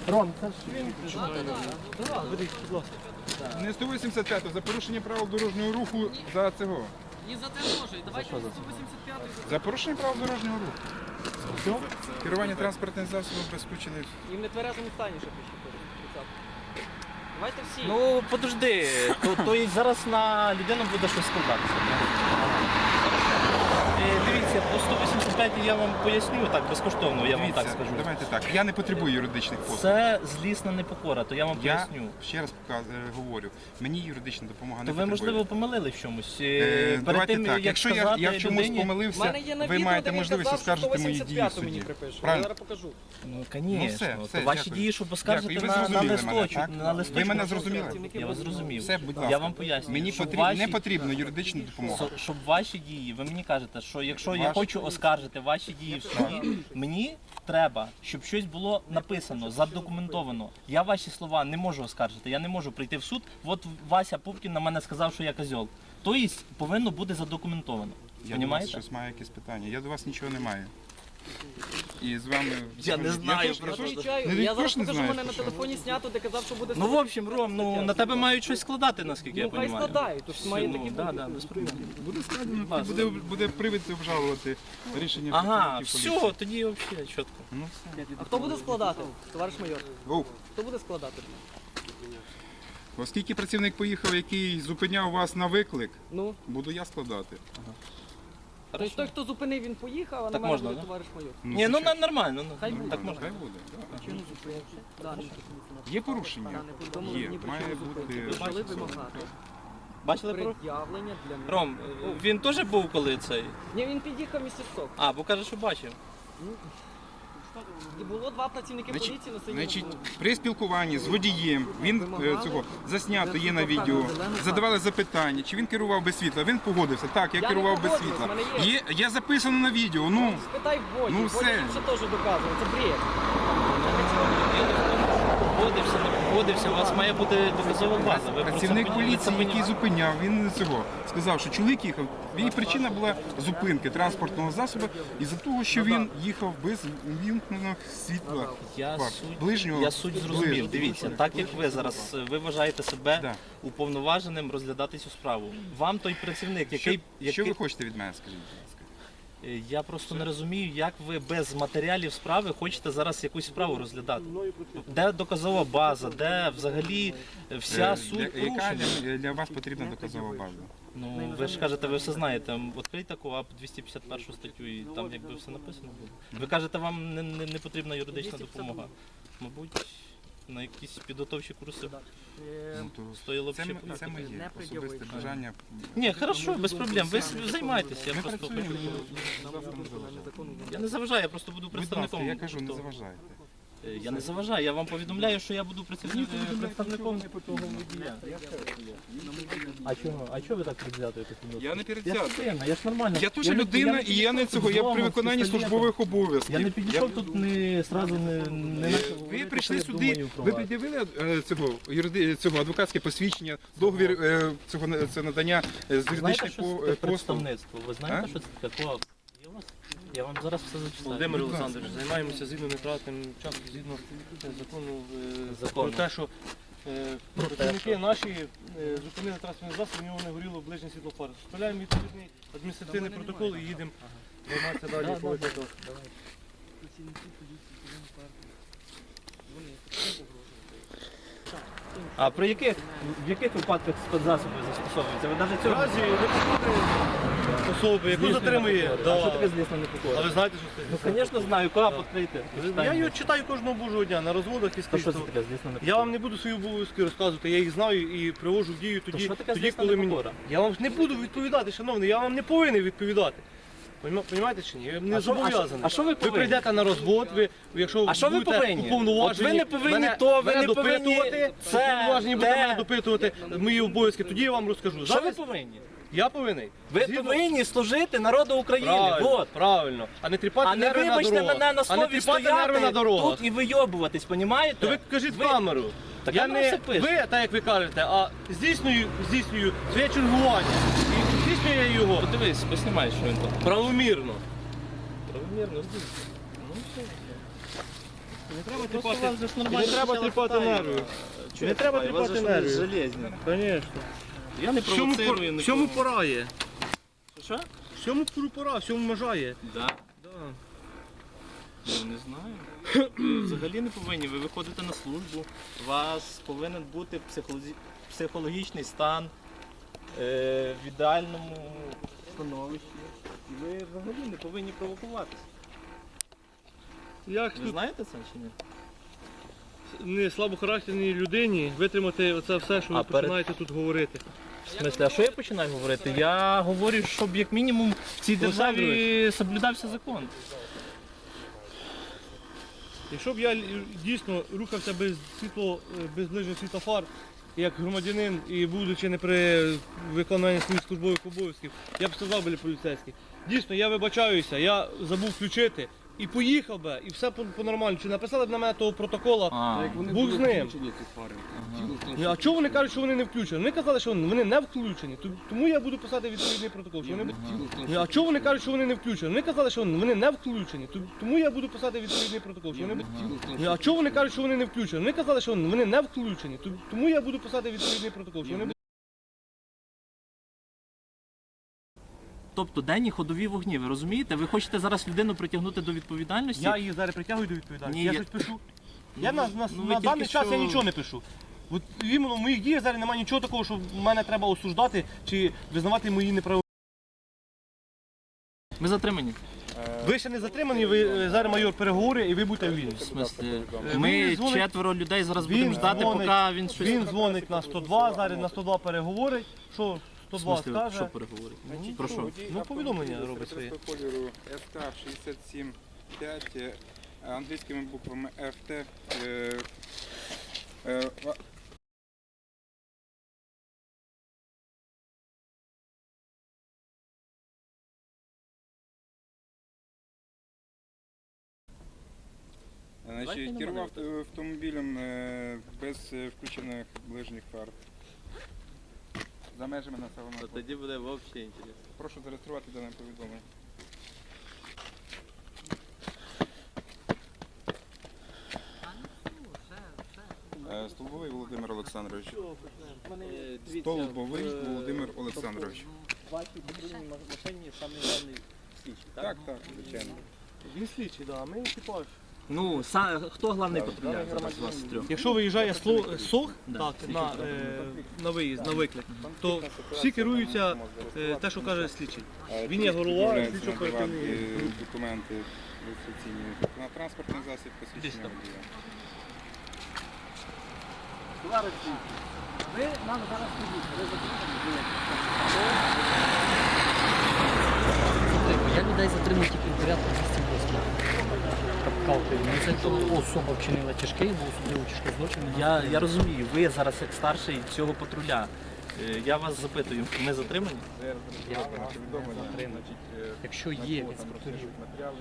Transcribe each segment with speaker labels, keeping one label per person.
Speaker 1: Ром, це ж він.
Speaker 2: Не 185, за порушення правил дорожнього руху за цього.
Speaker 3: І за це теж. І давайте 185-й.
Speaker 2: За порушення правил дорожнього руху.
Speaker 1: Все?
Speaker 2: Керування транспортним засобом без скучених.
Speaker 3: І в нетверезому стані ще пише. Давайте всі.
Speaker 1: Ну, подожди, то і зараз на людину буде щось складатися. Дивіться, по 185 я вам поясню так безкоштовно, я вам так скажу.
Speaker 2: Давайте так. Я не потребую юридичних послуг.
Speaker 1: Це злісна непокора, то я вам
Speaker 2: Я
Speaker 1: поясню.
Speaker 2: ще раз говорю, мені юридична допомога не
Speaker 1: То ви,
Speaker 2: потребує.
Speaker 1: можливо, помилили в чомусь.
Speaker 2: Давайте так,
Speaker 1: як
Speaker 2: якщо
Speaker 1: сказати
Speaker 2: я в чомусь
Speaker 1: людині-
Speaker 3: У
Speaker 2: помилився,
Speaker 3: мене є на
Speaker 2: ви
Speaker 3: відео,
Speaker 2: маєте
Speaker 3: де він
Speaker 2: можливість
Speaker 3: казав, що
Speaker 2: оскаржити мої дії в
Speaker 3: 185-ту мені
Speaker 2: суді.
Speaker 3: припише. Я
Speaker 2: Правильно?
Speaker 3: зараз покажу.
Speaker 1: Ну,
Speaker 2: Ну,
Speaker 1: звісно.
Speaker 2: все,
Speaker 1: Ваші
Speaker 2: дякую.
Speaker 1: дії, щоб оскаржити
Speaker 2: Дякую. Ви
Speaker 1: на
Speaker 2: зрозуміли
Speaker 1: листочок.
Speaker 2: мене, так?
Speaker 1: На листочку.
Speaker 2: Ви мене зрозуміли?
Speaker 1: Я вас зрозумів.
Speaker 2: Все, будь ласка.
Speaker 1: Я вам поясню.
Speaker 2: Мені
Speaker 1: щоб
Speaker 2: не потрібна юридична допомога.
Speaker 1: Щоб ваші дії, ви мені кажете, що якщо я
Speaker 2: Ваші?
Speaker 1: хочу оскаржити ваші дії в суді, мені треба, щоб щось було написано, задокументовано. Я ваші слова не можу оскаржити, я не можу прийти в суд. От Вася Пупкін на мене сказав, що я козьол. Тобто повинно бути задокументовано.
Speaker 2: Я до вас
Speaker 1: Понімаєте?
Speaker 2: щось маю якісь питання. Я до вас нічого не маю. І з вами...
Speaker 1: Я не знаю,
Speaker 2: теж-
Speaker 1: про що.
Speaker 3: Відповідаю.
Speaker 2: Ну,
Speaker 3: Я
Speaker 2: ви
Speaker 3: зараз
Speaker 2: ж не
Speaker 3: покажу,
Speaker 2: знаєте,
Speaker 3: мене на
Speaker 2: що.
Speaker 3: телефоні знято, де казав, що буде
Speaker 1: Ну, в общем, Ром, ну на тебе мають щось складати, наскільки я
Speaker 3: Ну, хай
Speaker 1: розумію.
Speaker 3: складають, то ж має такі
Speaker 1: да,
Speaker 3: бути.
Speaker 1: да, без проблем.
Speaker 2: Буде складено,
Speaker 1: Ласка.
Speaker 2: буде привід обжалувати рішення
Speaker 1: Ага,
Speaker 2: працівників
Speaker 1: все, тоді взагалі чітко.
Speaker 2: Ну, все.
Speaker 3: А хто буде складати, товариш майор?
Speaker 2: Оу.
Speaker 3: Хто буде складати?
Speaker 2: Оскільки працівник поїхав, який зупиняв вас на виклик,
Speaker 3: Ну,
Speaker 2: буду я складати.
Speaker 3: тобто той, хто зупинив, він поїхав, а на
Speaker 1: Так
Speaker 3: мене
Speaker 1: можна,
Speaker 3: буде
Speaker 1: да?
Speaker 3: товариш майор.
Speaker 1: Ні, ну нормально, ну,
Speaker 3: Хай буде.
Speaker 1: так можна.
Speaker 2: Хай буде. Да.
Speaker 3: Да,
Speaker 2: Є порушення?
Speaker 3: не повідомили
Speaker 2: Є,
Speaker 3: мені
Speaker 2: має
Speaker 3: причину зупинки.
Speaker 2: бути.
Speaker 3: Почали вимагати
Speaker 1: Бачили про?
Speaker 3: пред'явлення для мене.
Speaker 1: Ром, він теж був коли цей?
Speaker 3: Ні, він під'їхав місяць сок.
Speaker 1: А, бо каже, що бачив.
Speaker 3: І було два працівники поліції на синьому.
Speaker 2: Значить, при спілкуванні з водієм він цього заснято є на відео. Задавали запитання, чи він керував без світла. Він погодився. Так, я
Speaker 3: Я
Speaker 2: керував
Speaker 3: не
Speaker 2: без
Speaker 3: погоджуюсь,
Speaker 2: світла.
Speaker 3: в мене
Speaker 2: Є записано на відео. Ну
Speaker 3: Спитай в Боді.
Speaker 2: Ну,
Speaker 3: Боді
Speaker 2: все.
Speaker 3: інше теж доказує. Це бред.
Speaker 1: Погодився, не погодився, у вас має бути доказова база. Ви про це
Speaker 2: працівник
Speaker 1: повинні- ви це
Speaker 2: поліції, який
Speaker 1: понімаєте?
Speaker 2: зупиняв, він цього сказав, що чоловік їхав. Її причина була зупинки транспортного засобу із-за того, що він їхав без ввімкненого світла.
Speaker 1: Я
Speaker 2: фар.
Speaker 1: суть,
Speaker 2: Ближнього
Speaker 1: я суть зрозумів.
Speaker 2: ближнього.
Speaker 1: Дивіться, так як ви зараз ви вважаєте себе
Speaker 2: Да.
Speaker 1: уповноваженим розглядати цю справу. Вам той працівник, який,
Speaker 2: Що ви хочете від мене, скажіть, будь ласка?
Speaker 1: Я просто не розумію, як ви без матеріалів справи хочете зараз якусь справу розглядати. Де доказова база, де взагалі вся суть
Speaker 2: Яка
Speaker 1: порушення?
Speaker 2: для вас потрібна доказова база?
Speaker 1: Ну, ви ж кажете, ви все знаєте. Відкрийте КОАП 251 статтю і там якби все написано буде. Ви кажете, вам не потрібна юридична допомога. Мабуть, на якісь підготовчі курси
Speaker 2: Ну, то
Speaker 1: стоїло б
Speaker 2: це,
Speaker 1: ще
Speaker 2: це
Speaker 1: поїхати.
Speaker 2: моє особисте бажання.
Speaker 1: Ні, хорошо, без проблем. Ви займайтеся, я
Speaker 2: Ми
Speaker 1: просто
Speaker 2: працюємо,
Speaker 1: хочу.
Speaker 2: не заважайте.
Speaker 1: Я не заважаю, я просто буду
Speaker 2: Будь
Speaker 1: представником.
Speaker 2: ласка, я кажу, не
Speaker 1: того.
Speaker 2: заважайте.
Speaker 1: Я не заважаю, я вам повідомляю, що я буду представником того водія. А чого ви так предвзято якось відноситесь?
Speaker 2: Я не передзятий.
Speaker 1: Я ж нормально.
Speaker 2: Я теж людина і я не цього, я при виконанні службових обов'язків.
Speaker 1: Я не підійшов тут, сразу не почав
Speaker 2: Ви
Speaker 1: говорити,
Speaker 2: прийшли
Speaker 1: що я
Speaker 2: сюди,
Speaker 1: думаю про
Speaker 2: ви
Speaker 1: вас.
Speaker 2: пред'явили цього адвокатське посвідчення, договір це надання з
Speaker 1: Знаєте,
Speaker 2: юридичних
Speaker 1: що це
Speaker 2: послуг.
Speaker 1: представництво? Ви знаєте,
Speaker 2: А?
Speaker 1: що це таке? КОАП? Є у вас? Я вам зараз все зачитаю.
Speaker 4: Володимир Олександрович, займаємося згідно нетратним часом, згідно закону
Speaker 1: Закону.
Speaker 4: про те, що працівники наші зупинили транспортний засіб, у нього не горіло ближнє світло фар. Справляємо відповідний адміністративний протокол і їдемо займатися далі по огляду.
Speaker 1: А в яких випадках спецзасоби застосовуються? Ви навіть цього...
Speaker 4: Наразі особи, яку затримує,
Speaker 1: А що таке
Speaker 4: да.
Speaker 1: злісна
Speaker 4: А
Speaker 1: непокора?
Speaker 4: ви знаєте, що це?
Speaker 1: Ну, звісно, знаю, КОАП відкрийте.
Speaker 4: Я його читаю кожного божого дня на розводах і
Speaker 1: То
Speaker 4: скрізь.
Speaker 1: що це таке злісна непокора?
Speaker 4: Я вам не буду свої обов'язки розказувати, я їх знаю і привожу в дію тоді,
Speaker 1: що таке
Speaker 4: тоді
Speaker 1: злісна
Speaker 4: коли мені.
Speaker 1: непокора?
Speaker 4: Я вам не буду відповідати, шановний, я вам не повинен відповідати. Понімаєте чи ні? Я не зобов'язаний.
Speaker 1: а що ви повинні?
Speaker 4: прийдете на розвод, якщо
Speaker 1: А що ви
Speaker 4: будете
Speaker 1: повинні?
Speaker 4: уповноважені,
Speaker 1: От ви не повинні
Speaker 4: мене-
Speaker 1: то, ви
Speaker 4: мене
Speaker 1: не повинні
Speaker 4: допитувати,
Speaker 1: це,
Speaker 4: уповноважені будете
Speaker 1: те.
Speaker 4: мене допитувати мої обов'язки, тоді я вам розкажу.
Speaker 1: Що ви
Speaker 4: Зараз
Speaker 1: повинні?
Speaker 4: я повинен.
Speaker 1: Ви
Speaker 4: Згідно-
Speaker 1: повинні служити народу України.
Speaker 4: Правильно,
Speaker 1: Вот.
Speaker 4: правильно. А не тріпати
Speaker 1: А не
Speaker 4: нерви на
Speaker 1: вибачте
Speaker 4: дорогах.
Speaker 1: мене на
Speaker 4: А не
Speaker 1: слові
Speaker 4: тріпати нерви на
Speaker 1: стояти
Speaker 4: дорогах.
Speaker 1: тут і вийобуватись, понімаєте?
Speaker 4: То ви кажіть в камеру.
Speaker 1: Так
Speaker 4: Я
Speaker 1: там
Speaker 4: не
Speaker 1: все пише.
Speaker 4: ви, так як ви кажете, а здійснюю своє чергування. І здійснюю його
Speaker 1: Подивись, поснімай, що він там.
Speaker 4: правомірно.
Speaker 1: Правомірно здійснює. Ну, все.
Speaker 4: Не треба
Speaker 1: Просто
Speaker 4: тріпати,
Speaker 1: вас же ж
Speaker 4: не
Speaker 1: нормально
Speaker 4: треба
Speaker 1: почали
Speaker 4: тріпати
Speaker 1: питання.
Speaker 4: нерви.
Speaker 1: Чого
Speaker 4: Не треба
Speaker 1: я вас
Speaker 4: тріпати
Speaker 1: же
Speaker 4: нерви.
Speaker 1: железні.
Speaker 4: Звісно.
Speaker 1: Я не провоцирую нікого.
Speaker 4: Всьому пора є.
Speaker 1: Що?
Speaker 4: Всьому пора, всьому межа є.
Speaker 1: Да.
Speaker 4: Да.
Speaker 1: Ну, не знаю. Взагалі не повинні. Ви виходите на службу, у вас повинен бути психологічний стан в ідеальному становищі. І ви взагалі не повинні провокуватися.
Speaker 4: Як
Speaker 1: Ви
Speaker 4: тут
Speaker 1: знаєте це чи ні?
Speaker 4: не слабохарактерній людині витримати оце все, що ви
Speaker 1: А перед-
Speaker 4: починаєте тут говорити?
Speaker 1: В смислі, а що я починаю говорити? Я говорю, щоб як мінімум в цій державі соблюдався закон.
Speaker 4: Якщо б я дійсно рухався без ближнього світлофар, як громадянин і будучи не при виконанні своїх службових обов'язків, я б сказав біля поліцейських. Дійсно, я вибачаюся, я забув включити і поїхав би, і все по-нормально. Чи написали б на мене того протокола, був з ним. А чого вони кажуть, що вони не включені? Вони казали, що вони не включені, тому я буду писати відповідний протокол. Що вони... А чого вони кажуть, що вони не включені? Вони казали, що вони не включені, тому я буду писати відповідний протокол. Що вони... А чого вони кажуть, що вони не включені? Вони казали, що вони не включені, тому я буду писати відповідний протокол. Що вони...
Speaker 1: Тобто денні ходові вогні, ви розумієте? Ви хочете зараз людину притягнути до відповідальності?
Speaker 4: Я її зараз притягую до відповідальності.
Speaker 1: Ні,
Speaker 4: Я
Speaker 1: я-
Speaker 4: щось пишу. Я на
Speaker 1: ви
Speaker 4: даний
Speaker 1: тільки
Speaker 4: час
Speaker 1: що-
Speaker 4: я нічого не пишу. От іменно в моїх діях зараз немає нічого такого, що мене треба осуждати чи визнавати мої неправи.
Speaker 1: Ми затримані.
Speaker 4: Ви ще не затримані, ви зараз майор переговори і ви будете вільні.
Speaker 1: В смислі,
Speaker 4: Він
Speaker 1: ми
Speaker 4: дзвонить-
Speaker 1: четверо людей зараз
Speaker 4: Він
Speaker 1: будемо ждати,
Speaker 4: дзвонить-
Speaker 1: поки він щось...
Speaker 4: Він дзвонить на 102, зараз на 102 переговорить. Що
Speaker 1: В
Speaker 4: 102
Speaker 1: смислі,
Speaker 4: скаже?
Speaker 1: що переговорить? Про що?
Speaker 4: Ну, повідомлення робить своє.
Speaker 2: Кольору ФК-67-5, англійськими буквами ФТ. Значить, керував автомобілем без включених ближніх фар. За межами населеного пункту.
Speaker 1: Тоді буде взагалі інтересно.
Speaker 2: Прошу зареєструвати дане повідомлення. Столбовий Володимир Олександрович. Столбовий Володимир Олександрович.
Speaker 1: В вашій патрульній машині саме головний слідчий,
Speaker 2: Так, так, звичайно.
Speaker 4: Він слідчий, да, а ми екіпаж.
Speaker 1: Ну, хто головний патрульний зараз з вас трьох?
Speaker 4: Якщо виїжджає СОГ
Speaker 1: Да.
Speaker 4: так, на виїзд, на виклик, то всі керуються те, що каже слідчий. Він є голова
Speaker 2: Відмовляється
Speaker 4: слідчого
Speaker 2: надавати
Speaker 4: оперативної.
Speaker 2: документи реєстраційні на транспортний засіб посвідчення водія.
Speaker 1: Ви нам зараз
Speaker 3: Я людей затримую тільки в порядку 208. Це то особа вчинила тяжкий, був особливо тяжкий злочин.
Speaker 1: Я розумію, ви зараз як старший цього патруля. Я вас запитую, ми затримані?
Speaker 3: Якщо є інспекторів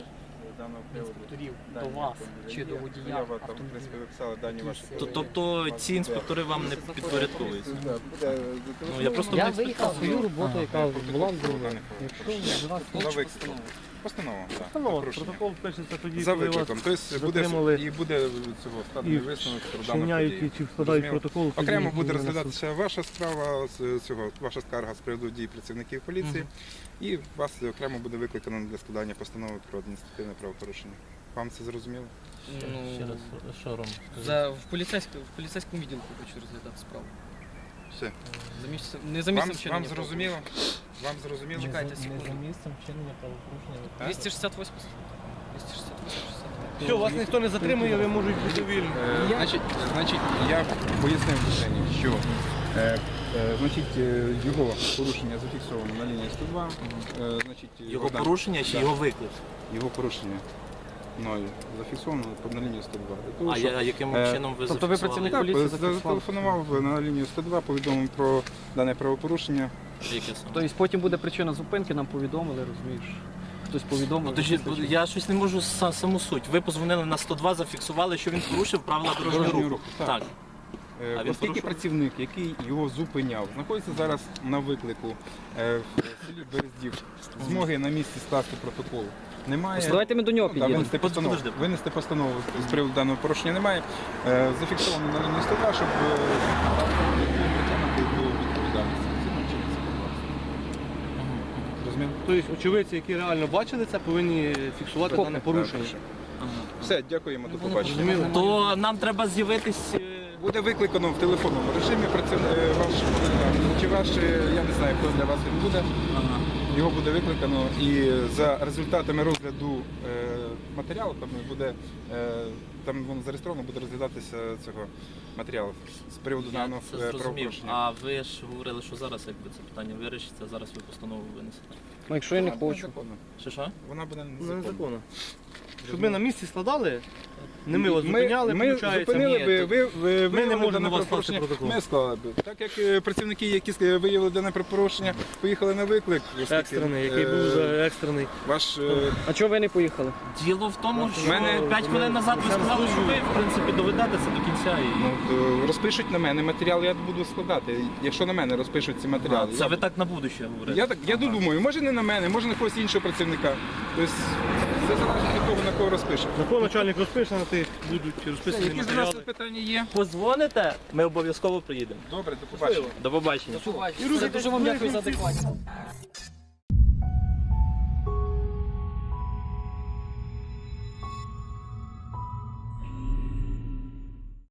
Speaker 3: до вас чи до водія автомобіля,
Speaker 1: Тобто ці інспектори вам не підпорядковуються? Ну, я просто
Speaker 3: я
Speaker 1: не
Speaker 3: виїхав свою роботу, яка була зроблена. Якщо до вас
Speaker 2: Постанова, так.
Speaker 4: Ну, протокол пишеться тоді,
Speaker 2: За
Speaker 4: коли вас
Speaker 2: викликом. Тобто буде,
Speaker 4: затримали
Speaker 2: і буде цього складний
Speaker 4: і
Speaker 2: висновок про дану
Speaker 4: вчиняють
Speaker 2: подію.
Speaker 4: чи складають
Speaker 2: Зрозуміло.
Speaker 4: протокол. тоді
Speaker 2: Окремо буде
Speaker 4: повинен
Speaker 2: розглядатися ваша справа, ваша скарга з приводу дій працівників поліції, і вас окремо буде викликано для складання постанови про адміністративне правопорушення. Вам це зрозуміло?
Speaker 1: Ще раз, що Ром?
Speaker 5: В поліцейському відділку хочу розглядати справу.
Speaker 2: Все.
Speaker 5: Не за місцем вчинення.
Speaker 2: Вам зрозуміло? Вам зрозуміло?
Speaker 5: Чекайте секунду.
Speaker 3: місцем вчинення правопорушення.
Speaker 5: 268 268
Speaker 4: Все, вас ніхто не затримує, ви можете бути вільні.
Speaker 2: Значить, я пояснив Жені, що його порушення зафіксовано на лінії 102.
Speaker 1: Його порушення чи його виклик?
Speaker 2: Його порушення мною зафіксовано на лінії 102. Для того,
Speaker 1: А
Speaker 2: щоб-
Speaker 1: яким чином ви
Speaker 3: Тобто ви
Speaker 1: зафіксували?
Speaker 3: працівник
Speaker 2: Так,
Speaker 3: поліції зафіксували?
Speaker 2: зателефонував на лінію 102, повідомив про дане правопорушення.
Speaker 1: Яке саме?
Speaker 3: Тобто потім буде причина зупинки, нам повідомили, розумієш? Хтось повідомив.
Speaker 1: Ну, то я щось не можу саму суть. Ви позвонили на 102, зафіксували, що він порушив правила дорожнього руху. Так. А він
Speaker 2: Оскільки
Speaker 1: порушив?
Speaker 2: працівник, який його зупиняв, знаходиться зараз на виклику в селі Берездів, змоги на місці скласти протокол Немає.
Speaker 3: Давайте ми до нього
Speaker 2: Да,
Speaker 3: підійдемо.
Speaker 1: Подожди.
Speaker 2: Винести постанову з приводу даного порушення немає. Зафіксовано на лінії 102, щоб притягнути до відповідальності. Згідно чинного законодавства. Розумів?
Speaker 4: Тобто очевидці, які реально бачили це, повинні фіксувати дане порушення.
Speaker 2: Все, дякуємо, до побачення.
Speaker 4: Зрозуміло.
Speaker 1: То нам треба з'явитись.
Speaker 2: Буде викликано в телефонному режимі ваш, чи ваш, я не знаю, хто для вас він буде. Його буде викликано і за результатами розгляду матеріалу там воно зареєстровано, буде розглядатися цього матеріалу з приводу
Speaker 1: Я
Speaker 2: даного
Speaker 1: це зрозумів.
Speaker 2: правопорушення.
Speaker 1: А ви ж говорили, що зараз якби це питання вирішиться, зараз ви постанову винесете.
Speaker 3: Ну, якщо я не
Speaker 2: Вона буде
Speaker 3: хочу.
Speaker 2: незаконна.
Speaker 1: Що?
Speaker 2: Вона буде
Speaker 4: Ну,
Speaker 2: незаконна.
Speaker 4: незаконно. Щоб ми на місці складали, не ми вас зупиняли,
Speaker 2: ми
Speaker 4: виходить.
Speaker 2: зупинили
Speaker 1: ні,
Speaker 2: би,
Speaker 1: то-
Speaker 2: ви
Speaker 4: Ми не можемо
Speaker 2: дане
Speaker 4: на вас
Speaker 2: правопорушення,
Speaker 4: скласти протокол.
Speaker 2: ми склали би. Так як працівники, які виявили дане правопорушення, поїхали на виклик. оскільки,
Speaker 4: Екстрений, який був за екстрений.
Speaker 2: Ваш
Speaker 3: А чого ви не поїхали?
Speaker 1: Діло в тому, що
Speaker 2: мене-
Speaker 1: 5 хвилин назад ви сказали, що ви в принципі доведете це до кінця. І...
Speaker 2: розпишуть на мене матеріал, я буду складати. Якщо на мене розпишуть ці матеріали.
Speaker 1: Це ви так на будущее говорите.
Speaker 2: Я думаю, може не на мене, може на когось іншого працівника. Тобто це залежить від того, на кого розпишуть.
Speaker 4: На кого начальник розпише, на тих будуть розписані
Speaker 2: Які з вас
Speaker 4: матеріали.
Speaker 2: питання є?
Speaker 1: Позвоните, ми обов'язково приїдемо.
Speaker 2: Добре, до побачення.
Speaker 1: До побачення.
Speaker 3: Дуже вам дякую за адекватність.